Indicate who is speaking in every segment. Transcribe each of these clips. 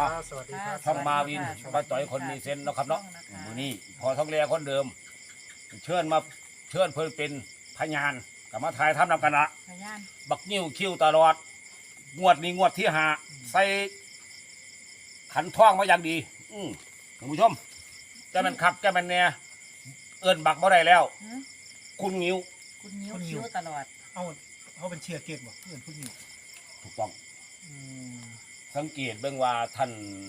Speaker 1: สวัสดีครับ
Speaker 2: ช่องมาวินป้าต่อยคนมีเซนส์นะครับเนาะมือนี้พอท้องแรคนเดิมเชิญเพิ่นเป็นพยานกับมาถ่ายทำนำกันละ
Speaker 3: พยาน
Speaker 2: บักนิ้วคิ้วตลอดงวดนี้งวดที่5ใส่ขันท่องมาอย่างดีท่านผู้ชมแกมันคักแกมันแน่เอิ้นบักบ่ได้แล้ว คุณนิ้ว
Speaker 3: คุณนิ้วคิ้วตลอด
Speaker 1: เขาเป็นเชียร์เกตบอกเพื่อนผู้หญิง
Speaker 2: ถูกต้องสังเกตเบื้องว่าท่าน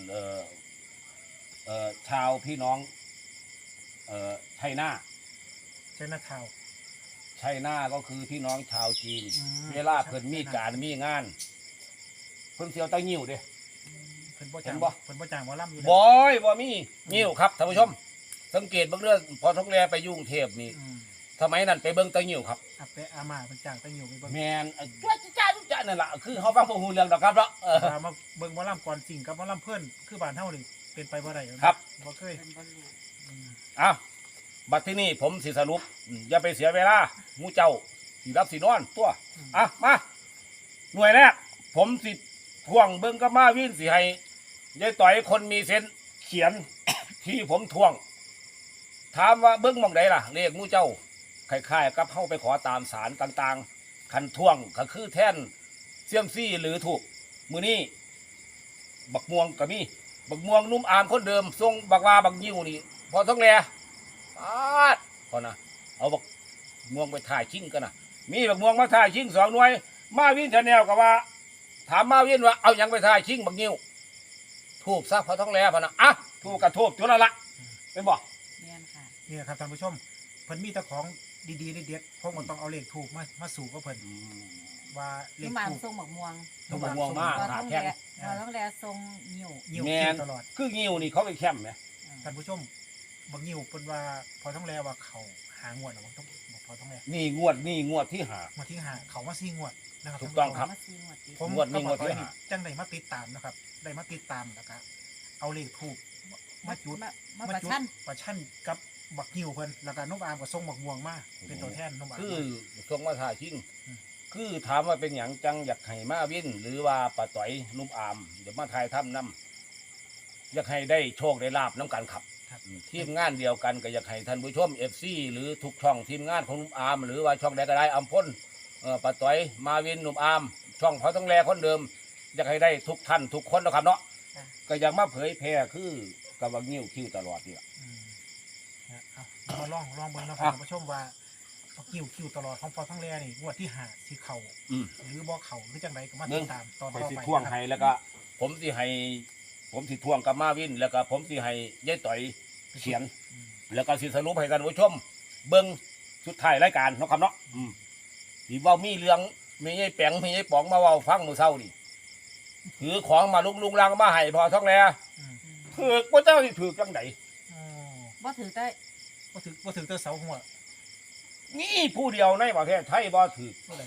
Speaker 2: ชาวพี่น้องชัยนา
Speaker 1: ใช่หน้าเท้า
Speaker 2: ชัยนาก็คือพี่น้องชาวจีน เวลาเพิ่นมีการมีงานเพิ่นเสียวตะงิ้วเด้
Speaker 1: เพิ่นบ่จาง
Speaker 2: เห็นบ่
Speaker 1: เพิ่นบ่จางว่าล่ำอยู่
Speaker 2: บอยบ่มีงิ้วครับท่านผู้ชม สังเกตเบื้องเรื่องพอท้องแลไปยุ่งเทพนี่สมัยนั้นไปเบิ่งตะงิ้วครับ
Speaker 1: อาเปะอามาเพิ่นจางตั้งอยู่ไปเบิ่ง
Speaker 2: แมนจ้านั่นล่ะคือเขาฟังบ่ฮู้เรื่องดอกครับเนาะ
Speaker 1: มาเบิ่งว่าล่ำก่อนสิ่งกับว่าล่ำเพื่อนคือบ้านเฮานี่เป็นไปบ่ได้
Speaker 2: ครับ
Speaker 1: บ่เคย
Speaker 3: เป็นบอลลูน
Speaker 2: อ้าวบัดที่นี่ผมสิสรุปอย่าไปเสียเวลาหมู่เจ้าสิรับสินอนตัวมาหน่วยแรกผมสิท่วงเบิ่งกับมาวินสิให้ยายต่อยคนมีเซนส์เขียน ที่ผมท่วง ถามว่าเบิ่งหม่องใดล่ะเลขหมู่เจ้าคล้ายๆกับเฮาไปขอตามศาลต่างๆคันท่วงก็คือแท่นเสี่ยมซี่หรือถูกมื้อนี้บักม่วงก็มีบักม่วงนุ่มอามคนเดิมทรงบักว่าบักยิ้วนี่พอต้องแลพอนะเอาบักม่วงไปถ่ายชิงกันนะมีบักม่วงมาถ่ายชิง2 หน่วยมาวินชาแนลก็ว่าถามมาวินว่าเอายังไปถ่ายชิงบักยิ้วทูบซะพอต้องแลพอนะทูบกับทูบจุดละเป็นบ่
Speaker 3: เนี่ยค่ะ
Speaker 1: นี่ครับท่านผู้ชมเพิ่นมีแต่ของดีๆเด็ดๆพวกมันต้องเอาเลขถูกมาสู่กับเพิ่นว่าเล
Speaker 3: นุ่
Speaker 1: ข
Speaker 3: มอาม
Speaker 1: ถูก
Speaker 3: ทรงหมกม่วง
Speaker 2: ทูบบักม่วงมาก
Speaker 3: พอ
Speaker 2: หา
Speaker 3: ต้อง
Speaker 2: แข้ง
Speaker 3: แลพอต้องแลทรงนิ้ว
Speaker 1: ยิ้ว
Speaker 2: แมน
Speaker 1: ตลอด
Speaker 2: คืองิ้วนี่เขาไปแคมป์ไหม
Speaker 1: ท่านผู้ชมบางยิ้วเพิ่นว่าพอต้องแลว่าเขาหางวดเนาะต้องพอต้องแล
Speaker 2: นี่งวดที่หา
Speaker 1: มาที่หาเขามา4 งวดนะครับ
Speaker 2: ถูกต้องครับ
Speaker 3: มาซีหมดติด
Speaker 1: ผม
Speaker 2: งวดนี้
Speaker 1: ก็บอก
Speaker 2: งวดที่
Speaker 1: ไว้นี่
Speaker 2: ห้า
Speaker 1: จังได้มาติดตามนะครับได้มาติดตามแล้วก็เอาเลขถูกมาจุด
Speaker 3: มาประชัน
Speaker 1: ประชันกับบักยิ้วเพิ่นแล้วก็นุ่มอามก็ส่งบักม่วงมาเป็นตัวแทนนุ่มอาม
Speaker 2: คือทรงมาถ่ายชิง
Speaker 1: อืม
Speaker 2: คือถามว่าเป็นอย่างจังอยากให้มาวินหรือว่าป้าต่อยนุ่มอามเดี๋ยวมาถ่ายทำน้ำอยากให้ได้โชคได้ลาบน้ำกันขับ
Speaker 1: ครับ
Speaker 2: ทีมงานเดียวกันก็อยากให้ท่านผู้ชมFC หรือทุกช่องทีมงานของนุ่มอามหรือว่าช่องใดก็ได้อัมพลป้าต่อยมาวินนุ่มอามช่องเขาต้องแลคนเดิม อยากให้ได้ทุกท่านทุกคนนะครับเนาะก็อยากมาเผยแพร่คือกับว่างิ้วคิ้วตลอดนี่แหละ
Speaker 1: เอามาลองเบิ่งนะครับท่านผู้ชมว่าบักยิ้วคิวตลอดของพอทั้งแลนี่งวดที่หาสิเข้าหรือบ่เข้าหรือจังไดก็มาติดตามตอน
Speaker 2: ไป
Speaker 1: ต่อ
Speaker 2: สิ
Speaker 1: ไป
Speaker 2: ท่วง
Speaker 1: นะครับ
Speaker 2: ให้แล้วก็ ผมสิท่วงกับมาวิน แล้วก็ผมสิให้ยายต่อยเขียน แล้วก็สิสรุปให้ท่านผู้ชม เบิ่งสุดท้ายรายการเนาะครับเนาะที่ว่ามีเรื่องมียายแปงมียายป๋องมาเว้าฟังมื้อเช้านี่ถือของมาลุงลังมาให้พอท้องแล
Speaker 1: อืม
Speaker 2: ถือบ่เจ้าสิถือจังได
Speaker 1: อ๋อ
Speaker 3: บ่ถือได้
Speaker 1: บ่ถึงเตอเสาหัว
Speaker 2: นี่ผู้เดียวในประเทศไทยบ่ถือ
Speaker 1: เท่าใด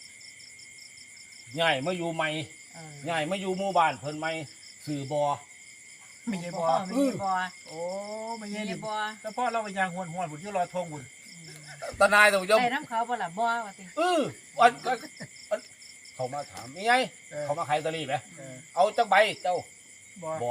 Speaker 2: ง่ายมาอยู่ใหม่ง่ายมาอยู่หมู่บ้านเพิ่นใหม่สื่อบ่
Speaker 1: ไม่ใช่บ่
Speaker 3: มีบ่
Speaker 1: โอ้ไม่ใช่
Speaker 3: มี
Speaker 1: นี่
Speaker 3: บ่
Speaker 1: แต่พ่อเราไปยางหวนบุญอยู่รอทงบุญ
Speaker 2: ตานายท่านผู้ชม
Speaker 3: ได้น้ำเขาบ่ล่ะบ่ว่าติ
Speaker 2: อันเขามาถามมีไง เขามาขายลอตเตอรี่ไหม เอาจักใบเจ้า
Speaker 1: บ่
Speaker 2: บ่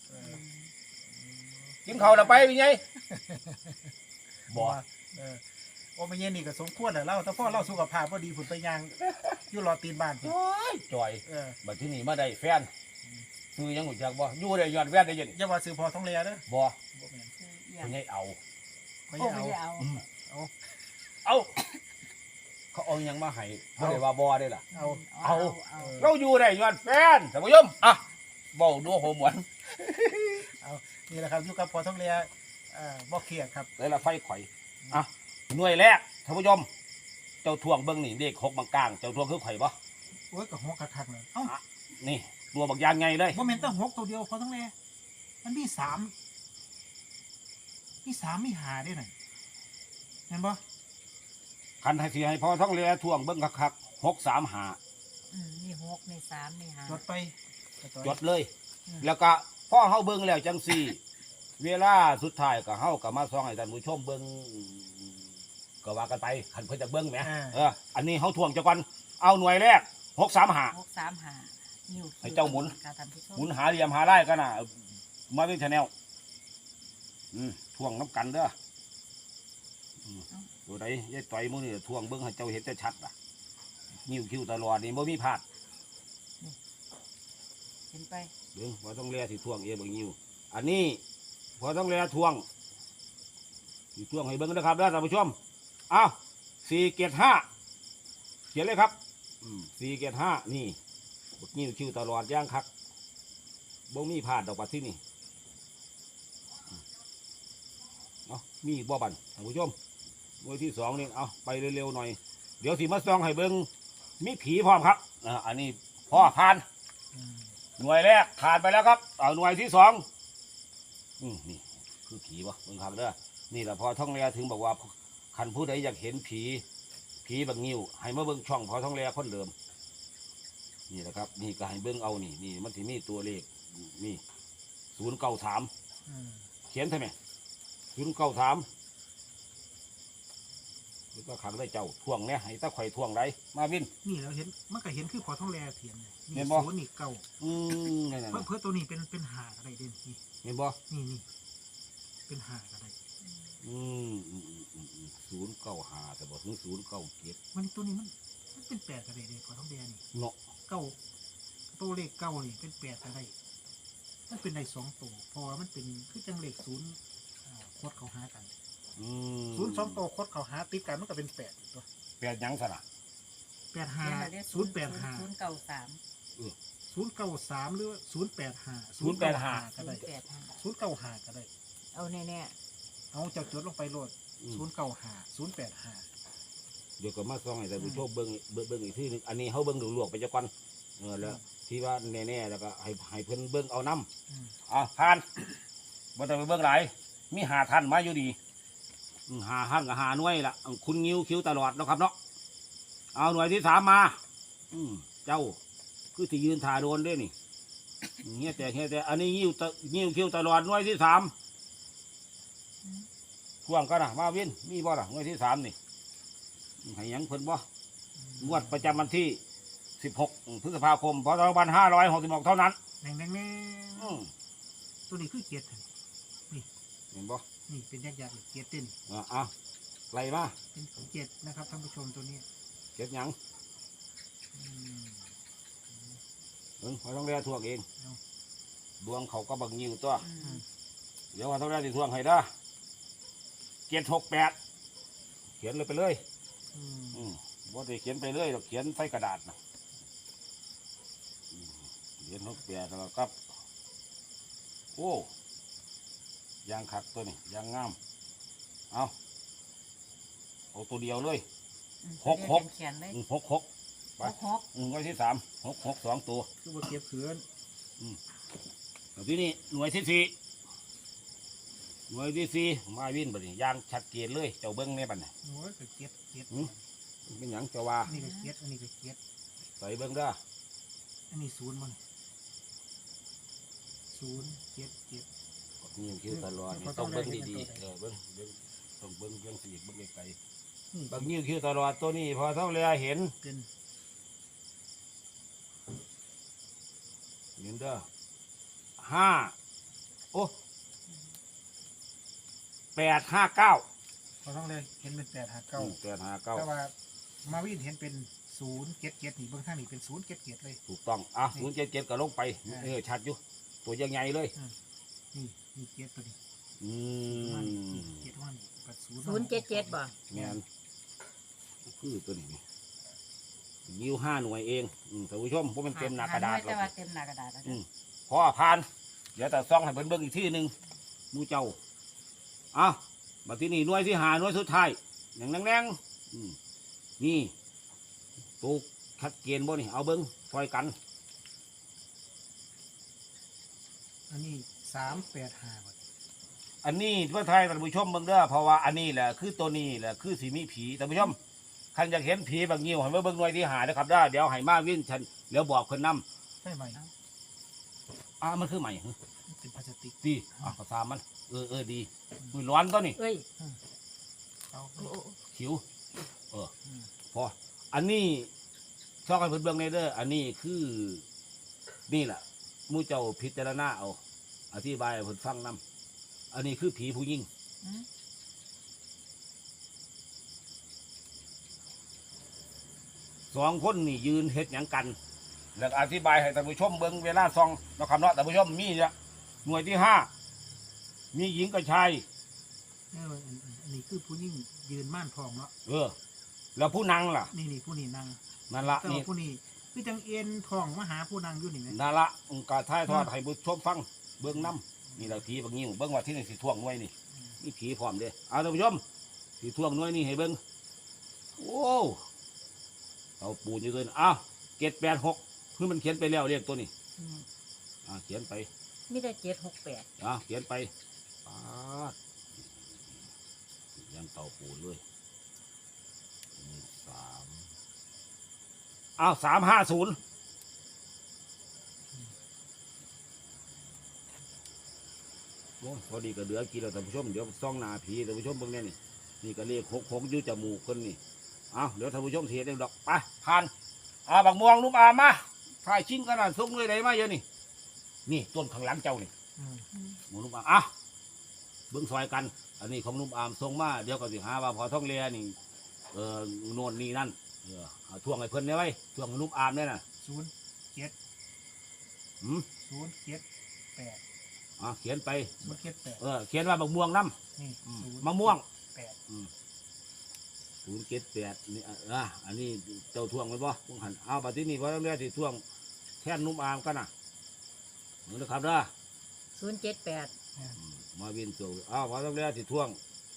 Speaker 2: กินข้าวแล้วไปมีไงบ่
Speaker 1: เออโอ้ไม่ใช่นี่ก็สมควรแล้วแต่พ่อเราสุขภาพบ่ดีผุนไปยางอยู่รอตีนบ้านพุ่น
Speaker 2: จอย บัดที่นี่มาได้แฟนซื้อยังหูจักบ่อยู่ได้ย้อนแฟนได้ยิน
Speaker 1: อย่าว่าซื้อพอท้องเลียเด้อ
Speaker 2: บ่
Speaker 1: บ่แม่น
Speaker 3: เอีย
Speaker 2: เพิ่นให้เอา
Speaker 1: ไม่
Speaker 3: โอ้
Speaker 1: ใช่
Speaker 3: ไม่
Speaker 1: เอา
Speaker 3: เอา
Speaker 2: เอาเขาเอายังมาให้บ่ได้ว่าบ่ได้ล่ะ
Speaker 3: เอา
Speaker 2: เราอยู่ได้ย้อนแฟนท่านผู้ชมเว้าดูโหมวน
Speaker 1: นี่แหละครับอยู่กับพอท้องเลียบ่เครียดครับ
Speaker 2: เลยละไฟข่อยหน่วยแรกท่านผู้ชมเจ้าทวงเบิ่งนี่เลข6บางกลางเจ้าทวงคือข่อยบ่
Speaker 1: โอ้ยก็หัวคักๆเลยเอ้า
Speaker 2: นี่ตัวบักยางไงเลย
Speaker 1: บ่แม่นแต่6ตัวเดียวพอท้องเลียมันมี3มี5ด้วยนั่นเห็นบ่
Speaker 2: คันให้สิให้พอท้องเรือทวงเบิ่งคักๆ635
Speaker 3: มี6มี3มี5
Speaker 1: จดไป
Speaker 2: จดเลย แล้วก็พอเฮาเบิ่งแล้วจังซี่ เวลาสุดท้ายก็เฮาก็มาส่องให้ท่านผู้ชมเบิ่งก็ว่ากันไปคันเพิ่นจะเบิ่งแหมอันนี้เฮาทวงจักก่อนเอาหน่วยแรก635
Speaker 3: 635 นิ้ว
Speaker 2: ให้เจ้าหมุน
Speaker 3: การทำที่ชอบ
Speaker 2: หมุนหาเหลี่ยมหาไล่กันน่ะมาเป็นชาแนลท่วงน้ำกันเด้อตัวใดยายต่อยมือนี่ท่วงเบิ้งให้เจ้าเห็นจะชัดอ่ะนิ้วคิ้วตลอดนี่บ่มีพลาด
Speaker 3: เห็นไป
Speaker 2: เบิ้งพอต้องเลียสิท่วงเบางนิ้วอันนี้พอต้องเลียท่วงสิท่วงให้เบิ้งนะครับเด้อท่านผู้ชมอ้าว475เขียนเลยครับ475นี่นิ้วคิ้วตลอดย่างคักบ่มีพลาดดอกปัดที่นี่เอามีบ่บันท่านผู้ชมหน่วยที่2นี่เอาไปเร็วๆหน่อยเดี๋ยวสิมาส่องให้เบิ้งมีผีพร้อมครับอันนี้พ่อผ่านหน่วยแรกผ่านไปแล้วครับเอาหน่วยที่2นี่คือผีวะเบิ้งครับเด้อนี่แหละพอท่องเรือถึงบอกว่าคันผู้ใดอยากเห็นผีบางนิ้วให้มาเบิ้งช่องพอท่องเรือคนเดิมนี่แหละครับนี่ก็ให้เบิ้งเอานี่มันสิมีตัวเลขนี่093เขียนใช่ไหม093ก็ขังได้เจ้าท่วงเนี่ยให้ตะไคร่ท่วงไรมาวิน
Speaker 1: นี่เราเห็นมันก็เห็นคือพอท้องแลเถียนเลยนี่
Speaker 2: เห็นบ่
Speaker 1: ศูนย์นี่เก่า
Speaker 2: นั่น
Speaker 1: เพื่อตัวนี้เป็นหาอะไรเด่นนี่
Speaker 2: เห็นบ่
Speaker 1: นี่เป็นหาอะไร
Speaker 2: 095แต่บอกถึง097
Speaker 1: มันตัวนี้มันเป็นแปดอะไรเด่นพอท้องแลนี่
Speaker 2: เนาะ
Speaker 1: เก้าตัวเลขเก้านี่เป็นแปดอะไรมันเป็นใน2ตัวเพราะว่ามันเป็นคือจังเลขศูนย์โคตรเขาหากันศูนย์2ตัวโคตรเขาหาติดกันมันก็เป็น8ตัว
Speaker 2: แปดหยังสนะ
Speaker 1: 85 085
Speaker 3: 093
Speaker 1: 093หรือ085
Speaker 2: 085
Speaker 1: ก็ได้ 095ก็ได้
Speaker 3: เอาแน่
Speaker 1: เอาเจ้าจดลงไปโหลด095 085
Speaker 2: เดี๋ยวก็มาส่องให้ท่านผู้ชมเบิ่งอีกทีนึงอันนี้เขาเบิ่งลวกๆไปจักก่อนแล้วที่ว่าแน่ๆแล้วก็ให้เพิ่นเบิ่งเอาน้ำผ่านบ่ต้องไปเบิ่งหลายมี5ท่านมาอยู่ดี5ท่านกับ5หน่วยล่ะคุณงิ้วคิ้วตลอดเนาะครับเนาะเอาหน่วยที่3มาเจ้าคือที่ยืนถ่าโดนด้วยนี่เงี้ยแต่อันนี้งิ้วคิ้วตลอดหน่วยที่3พ่วงกันนะมาวินมีบ่ล่ะหน่วยที่3นี่ให้หยังเพิ่นบ่งวดประจำวันที่16พฤษภาคมพ.2566เท่านั้น
Speaker 1: แน่งตัวนี้คือเกียรตินี่
Speaker 2: เห็นบ่
Speaker 1: นี่เป็นยักษ์เกียรติเต้น
Speaker 2: ไล่มา
Speaker 1: เป็นเกียรตินะครับท่านผู้ชมตัวนี้
Speaker 2: เก็บหยังเขาต้องเรียกทวงเองดวงเขาก็บังยิวตัวเดี๋ยวเขาต้องเรียกทวงให้ได้768เขียนเลยไปเลยบ่ได้เขียนไปเลยเราเขียนใส่กระดาษนะเขียน68แล้วก็โอ้ยางขัดตัวนี้ยางงามเอาตัวเดียวเลย
Speaker 3: ๆ
Speaker 2: หก
Speaker 3: เขียนเลย
Speaker 2: 66ไป
Speaker 3: 66
Speaker 2: หน่วยที่3 6 2ตัว
Speaker 1: คือว่าเก็บเขือน
Speaker 2: ที่นี่หน่วยที่4มาวินบัดนี้ยางชัดเจนเลยเจ้าเบิ้งในบัดนี้
Speaker 1: โอ้ยก็เกียรติ
Speaker 2: เป็นหยังเจ้าว่า
Speaker 1: อันนี้ก็เกียรติอันนี้ก็เกียรติ
Speaker 2: ใส่เบิ้งเด้อ
Speaker 1: อันนี้ศูนย์มัน0 7 7
Speaker 2: นี่คิวตลอดนี่ต้องเบิ้งดีๆเบิ้งต้องเบิ้งสีเบิ้งไกลๆบางนิ้วคิวตลอดตัวนี้พอเท่าเรือเห็น
Speaker 1: เป็น
Speaker 2: เห็นเด้อ5 โอ้859
Speaker 1: พอต้องเลยเห็นเป็น859 แต่
Speaker 2: 859
Speaker 1: ว่ามาวินเห็นเป็น0 7 7นี่เบื้องข้างนี่เป็น0 7 7เลย
Speaker 2: ถูกต้อง077ก็ลงไปชัดอยู่ตัวยังใหญ่เลย
Speaker 1: นี่เกียรติตัวนี้เกียรติว่านี่กับ
Speaker 3: 077บ่
Speaker 2: แม่นคือตัวนี้นิ้ว5หน่วยเองท่านผู้ชมเพราะมันเต็มหน้ากระดาษ
Speaker 3: แต่ว่าเต็มหน้ากระดาษแล้ว
Speaker 2: พอผ่านเดี๋ยวแต่ซ่องให้เบิ้งอีกที่หนึ่งมูเจ้ามาที่นี่หน่วยที่หาหน่วยสุดท้ายแน่งนี่ตูกชัดเจนบ่นี่เอาเบิ้งซอยกัน
Speaker 1: อันนี้385บ่
Speaker 2: อันนี้เพื่อไทยท่านผู้ชมเบิ้งเด้อเพราะว่าอันนี้แหละคือตัวนี้แหละคือสีมีผีท่านผู้ชมท่านอยากเห็นผีบางงิ้วให้เบิ้งหน่วยที่หานะครับได้เดี๋ยวให้มาวิ่งฉันเดี๋ยวบอกคนนำ
Speaker 1: ใช่ไหม
Speaker 2: มันคือใหม่
Speaker 1: เป็นพลาสติก
Speaker 2: ดีภาษามันดีมือร้อนตัวนี้
Speaker 3: เอ้ย
Speaker 1: เอา
Speaker 2: ขิวพออันนี้ชอบให้เพื่อนเบื้องในเด้ออันนี้คือนี่แหละหมู่เจ้าพิจารณาเอาอธิบายให้เพิ่นฟังนํอันนี้คือผีผู้หญิง
Speaker 3: อืม
Speaker 2: สองคนนี่ยืนเฮ็ดหยังกัน แล้วอธิบายให้ท่านผู้ชมเบิ่งเวลาซองนะครับเนาะท่านผู้ชมมีเนี่ยหน่วยที่ห้ามีหญิงกับชาย
Speaker 1: อันนี้คือผู้ยิ่งยืนม่านทองเนาะ
Speaker 2: แล้วผู้นางล่ะ
Speaker 1: นี่ผู้นี่นั่ง
Speaker 2: นั่นละ
Speaker 1: แต่
Speaker 2: นี่
Speaker 1: ว่าผู้นี่คือจังเอ็นทองมาหาผู้นั่งอยู่นี่ไหม
Speaker 2: นั่นละกาท้ายทอดให้ผู้ชมฟังเบิ่งน้ำนี่แหละผีบางนิ้วเบิ่งว่าที่นี่สิท่วงหน่วยนี่นี่ผีพร้อมเด้เอาท่านผู้ชมสิท่วงหน่วยนี่ให้เบิ่งโอ้เอาปูนอยู่ตัวนี้อ้าว786คือมันเขียนไปแล้วเรียกตัวนี้
Speaker 3: อืม
Speaker 2: เขียนไป
Speaker 3: มีแต่768
Speaker 2: เขียนไปปาดยังเต่าปูนเลย350โอ้ยพอดีก็เหลือกินแล้วท่านผู้ชมเดี๋ยวซ่องหนาผีท่านผู้ชมเบิ่งแน่นี่ก็เลข66อยู่จมูกคนนี่เดี๋ยวท่านผู้ชมเสียเองดอกไปผ่านบักม่วงนุ่มอามาถ่ายชิงขนาดส่งเลยได้มาเยอะนี่ต้นข้างหลังเจ้านี่
Speaker 1: อืม
Speaker 2: หมูนุ่มอามเบิ้งซอยกัน อันนี้ของนุ่มอามส่งมาเดี๋ยวก็สิหาว่าพอท่องเรือนี่โน่นนี่นั่นเอาท่วงให้เพิ่นได้ไว้ท่วงให้นุ่มอามเนี่ยน่ะ
Speaker 1: 07 078
Speaker 2: เขียนไป
Speaker 1: 078
Speaker 2: เขียนว่าบักม่วงน้
Speaker 1: นี่
Speaker 2: ำมะม่วง
Speaker 1: 8
Speaker 2: 078นี่อันนี้เจ้าท่วงไว้บ่พวกหันเอาบัดที่นี่พอท่องเรือสิท่วงแค่นนุ่มอามกันน่ะเหมือนนะครับเด้อ
Speaker 3: 078
Speaker 2: มาวินโจพอต้องเรียกสิท่วง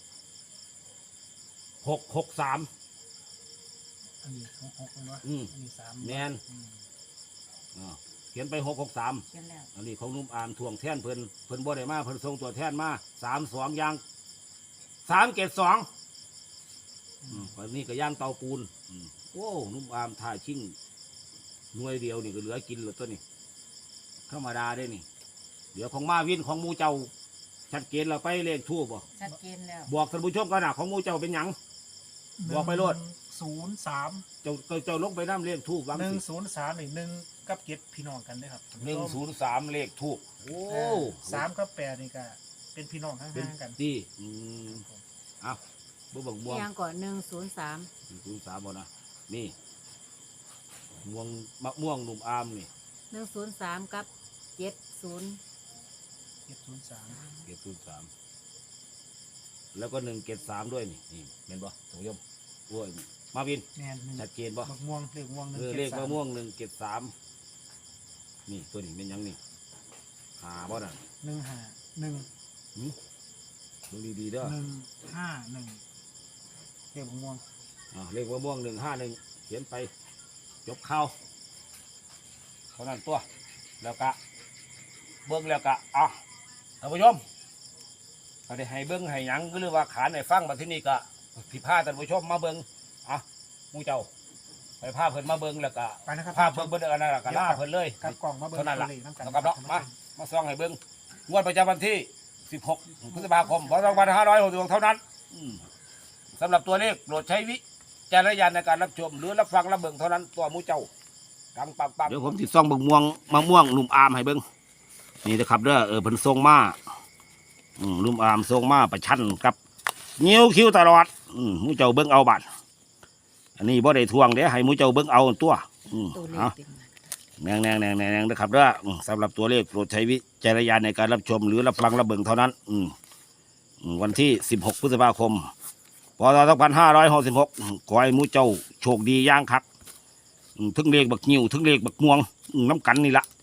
Speaker 2: 663
Speaker 1: อันนี้6เนาะ
Speaker 2: อืม
Speaker 1: อันนี้3
Speaker 2: แมน เขียนไป663
Speaker 3: เขียนแล้ว
Speaker 2: อันนี้ของนุ่มอามท่วงแท่นเพิ่นบ่ได้มาเพิ่นส่งตัวแท่นมา32ย่าง372วันนี้ก็ย่างเตาปูนโอ้นุ่มอามถ่ายชิ่งหน่วยเดียวนี่ก็เหลือกินแล้วตัวนี้ธรรมดาได้นี่เดี๋ยวของมาวินของหมูเจ้าชัดเจนเราไปเลขทูบบ่
Speaker 3: ชัดเจนแล้ว
Speaker 2: บอกท่านผู้ชมกันนะของหมูเจ้าเป็นหยัง บอกไปโลด
Speaker 1: 103
Speaker 2: เจ้าลงไปน้ำเลขทูบวางสิ
Speaker 1: 103นี่1กับ7พี่น้องกันเด้อครับ
Speaker 2: 103เลขทูบโอ้
Speaker 1: 3กับ8นี่ก็เป็นพี่น้องห่างๆกัน
Speaker 2: ดีเอาบ่บังม่วง
Speaker 3: ยังก่อน103
Speaker 2: 103บ่นะนี่ม่วงมะม่วงหนุ่มอามนี่
Speaker 3: 103กับ70
Speaker 1: 703
Speaker 2: 703แล้วก็173ด้วยนี่เห็นบ่ท่านผู้ชมโอ้ยมาวิน
Speaker 1: แม่น
Speaker 2: ชัดเจนบ่
Speaker 1: บักม่วงเลขม่วง
Speaker 2: เลขมะม่วง173นี่ตัวนี้เป็นหยังนี่หาบ่น่ะ
Speaker 1: 151
Speaker 2: ดูดีๆเด้อ
Speaker 1: 151เลขบักม่วง
Speaker 2: เลขมะม่วง151เขียนไปจบข่าวเท่านั้นตัวแล้วก็เบิ้งแล้วก็ท่านผู้ชมก็ได้ให้เบิ้งให้หยังก็เรียกว่าขานให้ฟังมาที่นี่ก็ผิดพลาดท่านผู้ชมมาเบิ้งหมู่เจ้าไปพาเพิ่นมาเบิ้งแล้วก็
Speaker 1: ไปนะครับ
Speaker 2: พาเพิ่นเบิ้งอันนั้นก็ล่าเพิ่นเลย
Speaker 1: กับกล่องมาเบิ่ง
Speaker 2: เท่านั้น
Speaker 1: ตัว
Speaker 2: ล่ะ
Speaker 1: เลขน้ำกัน
Speaker 2: นะครับเนาะมาส่องให้เบิ้งงวดประจำวันที่16พฤษภาคม2566เท่านั้นสำหรับตัวเลขโปรดใช้วิจารณญาณในการรับชมหรือรับฟังรับเบิ่งเท่านั้นตัวหมู่เจ้าดังปังๆเดี๋ยวผมติดซ่องบักม่วงมะม่วงหนุ่มอามให้เบิ่งนี่นะครับเด้อเพิ่นส่งมาหนุ่มอามส่งมาประชันกับเงี้ยวคิ้วตลอดหมู่เจ้าเบิ่งเอาบัดอันนี้บ่ได้ทวงเด้ให้หมู่เจ้าเบิ่งเอาตัว
Speaker 3: ตัวเลข
Speaker 2: เอา
Speaker 3: เป็น
Speaker 2: แนงนะครับเด้อสำหรับตัวเลขโปรดใช้วิจารณญาณในการรับชมหรือรับฟังรับเบิ่งเท่านั้นวันที่16พฤษภาคมพศ2566ขอให้หมู่เจ้าโชคดีย่างคักถึงเลขบักงิ้วถึงเลขบักม่วงน้ำกันนี่ละ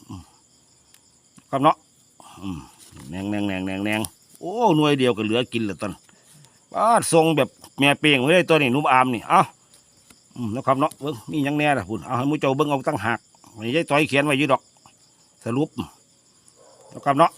Speaker 2: ครับเนาะแนงโอ้หน่วยเดียวก็เหลือกินเหลือตอนทรงแบบแม่เปียงไว้ได้ตัวนี้นุ่มอามนี่นะครับเนาะเบิ้งนี่ยังแน่ล่ะพุ่นเอาให้หมู่เจ้าเบิ้งเอาตั้งหักไม่ใช่ต่อยเขียนไว้อยืดดอกสรุปนะครับเนาะ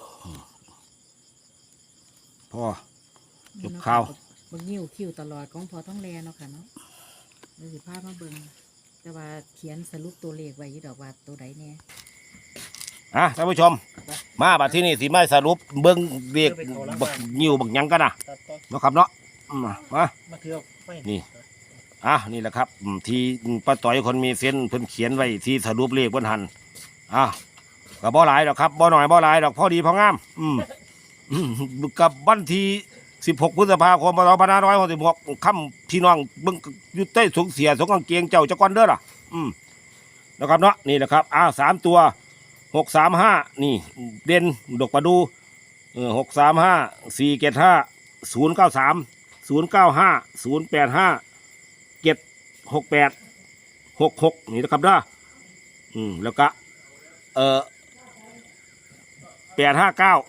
Speaker 2: พอจบข่าว
Speaker 3: เบิ่งนิ้วคิ้วตลอดของพอท้องแลเนาะค่ะเนาะเลยสิพามาเบิ่งแต่ว่าเขียนสรุปตัวเลขไว้อยู่ดอกว่าตัวใดแน่
Speaker 2: ท่านผู้ชมมาบัดที่นี่สิมาสรุปเบิ้งเรียกบักนิ้วบักหยังกันนะครับเนาะมา
Speaker 1: เที่ยวไป
Speaker 2: นี่ นี่แหละครับที่ป้าต่อยคนมีเส้นเพิ่นเขียนไว้ที่สรุปเลขบนหันกับบ่หลายดอกครับบ่หน่อยบ่หลายดอกพอดีพองามกับวันที่16 พฤษภาคม2566ค่ำพี่น้องเบิ่งอยู่ใต้สงเสียสงกางเกงเจ้าจักวันเด้อล่ะนะครับเนาะนี่แหละครับ3 ตัว635นี่เด่นดอกประดู635 475 093 095 085 768 66นี่นะครับเด้อแล้วก็859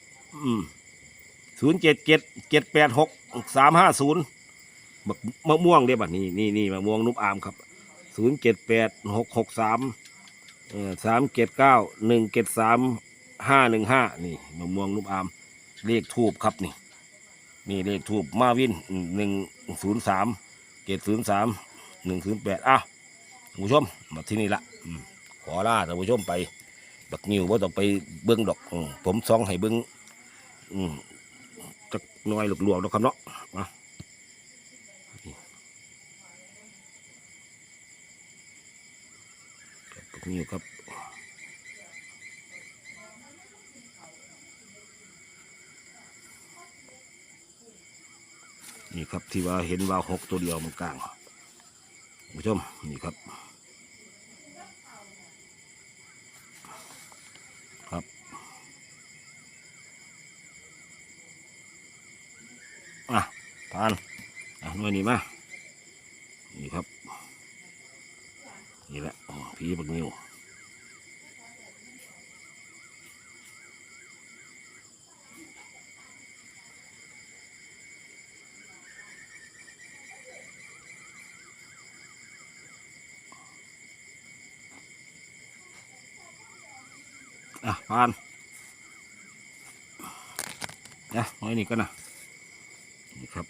Speaker 2: 077 786 350มะม่วงเด้บัดนี่มะม่วงนุ่มอามครับ078 663 379 173 515นี่มะม่วงนุ่มอามเลขทูบครับนี่เลขทูบมาวิน103 703 108ท่านผู้ชมมาที่นี่ละขอลาท่านผู้ชมไปบักนิวว่าต้องไปเบิ้งดอกผมซองให้เบิ้งจักหน่อยหลวกๆนะครับเนาะบักนิวครับนี่ครับที่ว่าเห็นว่า6 ตัวเดียวมันกลางผู้ชมนี่ครับทานหน่วยนี้มานี่ครับนี่แหละผีบักนิวผ่านหน่วยนี้ก็นะนี่ครับ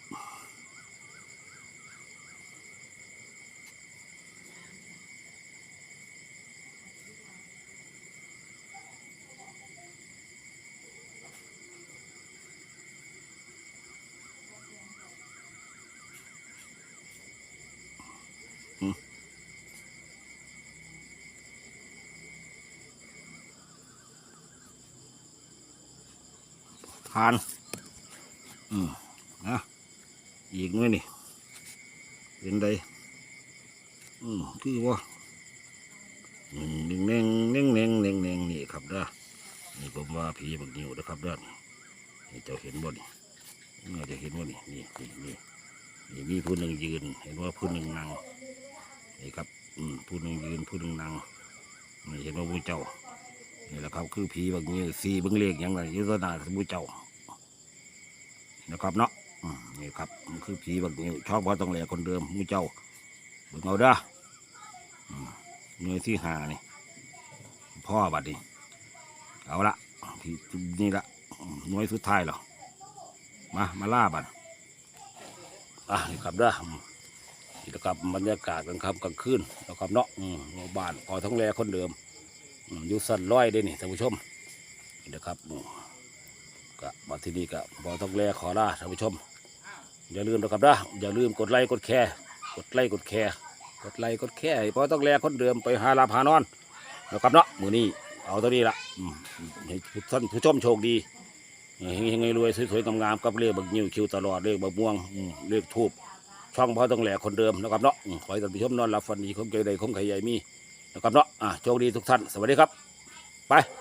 Speaker 2: ทานอีกหน่อยนี่เป็นไดคือว่าเน่งนี่ครับเด้อนี่ผมว่าผีบักนิวนะครับเด้อนี่เจ้าเห็นบ่นี่น่าจะเห็นบ่นี่มีผู้หนึ่งยืนเห็นว่าผู้หนึ่งนั่งนี่ครับผู้หนึ่งยืนผู้หนึ่งนั่งนี่เห็นว่าผู้เจ้านี่แหละครับคือผีบักนิวสีเบิ้งเลขอย่างไรยุทธนาผู้เจ้านะครับเนาะนี่ครับมันคือผีบักนิวชอบเพราะต้องแหล่คนเดิมมูเจ้าเบิ่งเอาเด้อหน่วยที่5นี่พ่อบัดนี้เอาละพี่นี่ละหน่วยสุดท้ายหรอมาล่าบัดนี่ครับเด้อนี่นะครับบรรยากาศกลางค่ำกลางคืนนะครับเนาะบ้านพอต้องแหล่คนเดิมอยู่สั่นร้อยได้นี่ท่านผู้ชมนี่นะครับก็มาที่นี่ก็พอต้องแหล่ขอลาท่านผู้ชมอย่าลืมนะครับนะอย่าลืมกดไลค์กดแชร์พอต้องแลคนเดิมไปหาลาพานอนนะครับเนาะมือนี้เอาตัวนี้ละให้ท่านผู้ชมโชคดีเฮงๆรวยสวยๆงามๆกับเลขบักนิ้วคิวตลอดเลขบักม่วงเลขทูบช่องพอต้องแลคนเดิมนะครับเนาะขอให้ท่านผู้ชมนอนหลับฝันดีคงใจใดคงไข่ใหญ่มีนะครับเนาะโชคดีทุกท่านสวัสดีครับไป